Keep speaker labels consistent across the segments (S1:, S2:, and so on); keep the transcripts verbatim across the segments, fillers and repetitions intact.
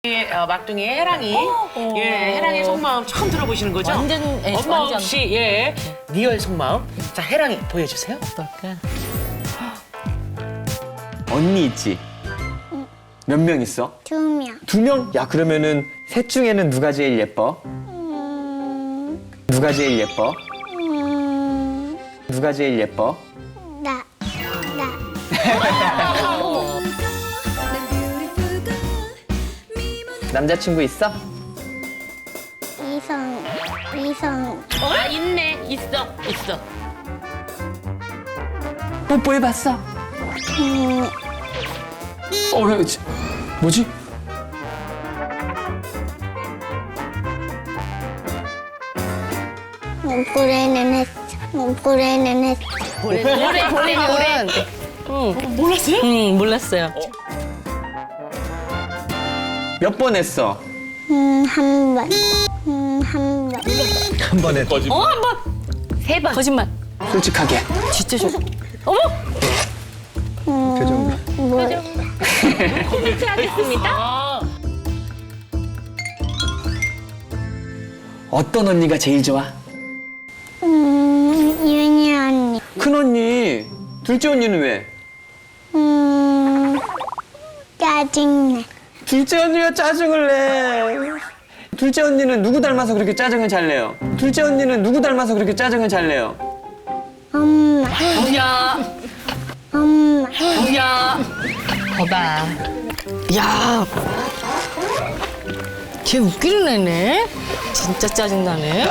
S1: 어, 막둥이 해랑이,
S2: 어.
S1: 예, 해랑의 속마음 처음 들어보시는 거죠?
S2: 완전, 예,
S1: 엄마
S2: 완전.
S1: 없이 예, 리얼 속마음. 자, 해랑이 보여주세요.
S2: 어떨까?
S3: 언니 있지? 몇 명 있어?
S4: 두 명.
S3: 두 명? 야, 그러면은 셋 중에는 누가 제일 예뻐?
S4: 음,
S3: 누가 제일 예뻐?
S4: 음,
S3: 누가 제일 예뻐?
S4: 나, 나.
S3: 남자친구 있어?
S4: 이성, 이성.
S2: 아, 있네. 있어. 있어.
S3: 뽀뽀해봤어?
S4: 음,
S3: 어, 왜, 지- 뭐지?
S4: 목고래는 했어. 목고래는 했어.
S2: 노래, 노래, 노래, 노래. 응.
S1: 몰랐어요?
S2: 응, 몰랐어요.
S3: 몇 번 했어?
S4: 음, 한 번. 음, 한 번.
S2: 어, 한 번. 세 번. 거짓말.
S3: 솔직하게.
S2: 진짜 좋 어머!
S4: 음, 뭐,
S2: 하겠습니다.
S3: 어떤 언니가 제일 좋아?
S4: 음, 윤희 언니.
S3: 큰 언니. 둘째 언니는 왜?
S4: 음, 짜증내.
S3: 둘째 언니가 짜증을 내. 둘째 언니는 누구 닮아서 그렇게 짜증을 잘 내요? 둘째 언니는 누구 닮아서 그렇게 짜증을 잘 내요?
S4: 엄마,
S2: 야,
S4: 엄마.
S2: 야. 거봐. 야. 걔 웃기는 애네. 진짜 짜증나네.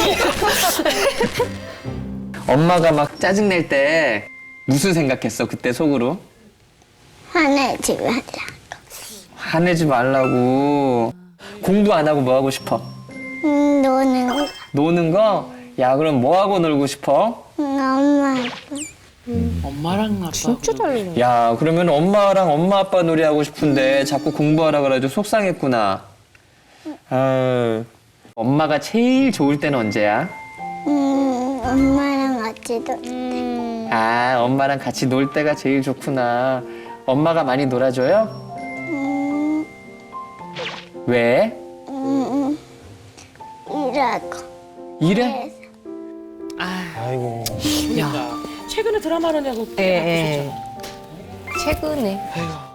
S3: 엄마가 막 짜증 낼 때 무슨 생각했어? 그때 속으로?
S4: 화내지 말라.
S3: 화내지 말라고. 공부 안 하고 뭐 하고 싶어?
S4: 음, 노는 거.
S3: 노는 거? 야, 그럼 뭐 하고 놀고 싶어?
S4: 음, 엄마, 아빠.
S1: 엄마랑 아빠.
S2: 진짜 잘 놀네.
S3: 야, 그러면 엄마랑 엄마 아빠 놀이 하고 싶은데 자꾸 공부하라 그래가지고 속상했구나. 아, 엄마가 제일 좋을 때는 언제야?
S4: 음, 엄마랑 같이 놀
S3: 아, 엄마랑 같이 놀 때가 제일 좋구나. 엄마가 많이 놀아줘요?
S4: 음,
S3: 왜?
S4: 음, 일하고.
S3: 이래?
S5: 아이고.
S1: 야, 최근에 드라마를 내고
S2: 예, 예.
S1: 바쁘셨잖아.
S2: 최근에.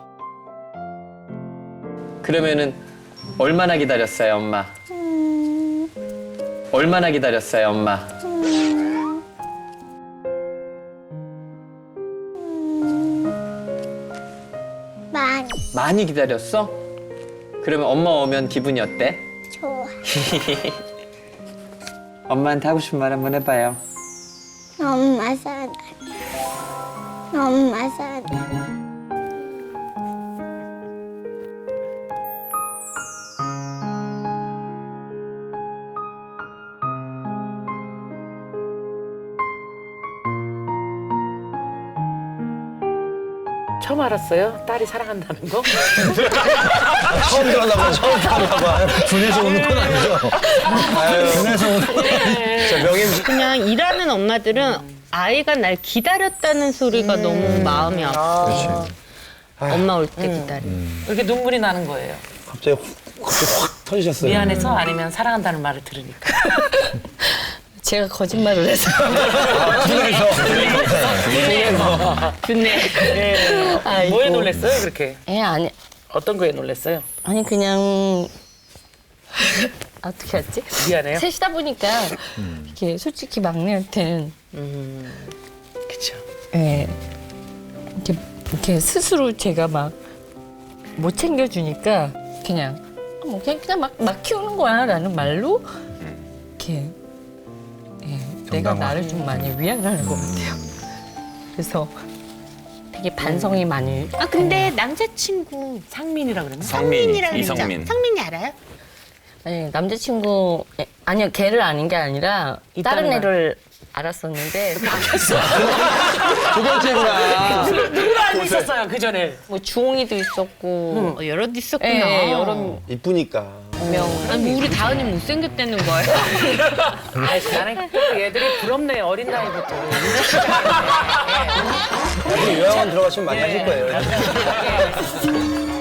S3: 그러면은 얼마나 기다렸어요, 엄마?
S4: 음,
S3: 얼마나 기다렸어요, 엄마?
S4: 음, 많이
S3: 많이 기다렸어? 그러면 엄마 오면 기분이 어때?
S4: 좋아.
S3: 엄마한테 하고 싶은 말 한번 해봐요.
S4: 엄마 사랑. 엄마 사랑.
S1: 처음 알았어요? 딸이 사랑한다는 거?
S5: 처음 들었나 봐. 처음 들었나 봐. 군에서 오는 건 아니죠. 아유, 군에서 오는 건 아니죠. 명임.
S6: 그냥 일하는 엄마들은 아이가 날 기다렸다는 소리가 너무 마음이 아파.
S5: 그렇지.
S6: 엄마 올 때 기다려.
S1: 이렇게 눈물이 나는 거예요.
S5: 갑자기 확, 갑자기 확 터지셨어요.
S1: 미안해서 아니면 사랑한다는 말을 들으니까.
S2: 제가 거짓말을 해서.
S5: 군에서.
S6: 좋네.
S1: 예.
S2: 아이고.
S1: 뭐에 놀랬어요, 그렇게?
S2: 예, 아니,
S1: 어떤 거에 놀랬어요?
S2: 아니, 그냥. 어떻게 했지?
S1: 미안해요?
S2: 셋이다 보니까, 이렇게 솔직히 막내한테는,
S1: 그쵸.
S2: 예, 이렇게, 이렇게 스스로 제가 막 못 챙겨주니까, 그냥, 뭐, 그냥, 그냥 막, 막 키우는 거야, 라는 말로, 이렇게, 예, 내가 나를 좀 많이 위안하는 것 같아요. 그래서 되게 반성이 많이.
S6: 아 근데 남자친구
S1: 상민이라 그러나?
S6: 성민이라고 그랬죠? 성민이 알아요?
S2: 아니, 남자친구, 예, 아니요, 걔를 아는 게 아니라,
S1: 있다는
S2: 다른
S1: 말.
S2: 애를 알았었는데,
S3: 두 번째구나.
S1: 누구를 알고 있었어요, 그 전에?
S2: 뭐, 주홍이도 있었고,
S6: 어, 여럿 있었구나.
S2: 예, 여러
S5: 이쁘니까.
S2: 명.
S6: 아니 뭐 우리 다은이 못생겼다는 거예요?
S1: 아이, 나는 또 얘들이 부럽네, 어린 나이부터.
S5: 나중에 요양원 들어가시면 많이 하실 거예요.
S1: 예.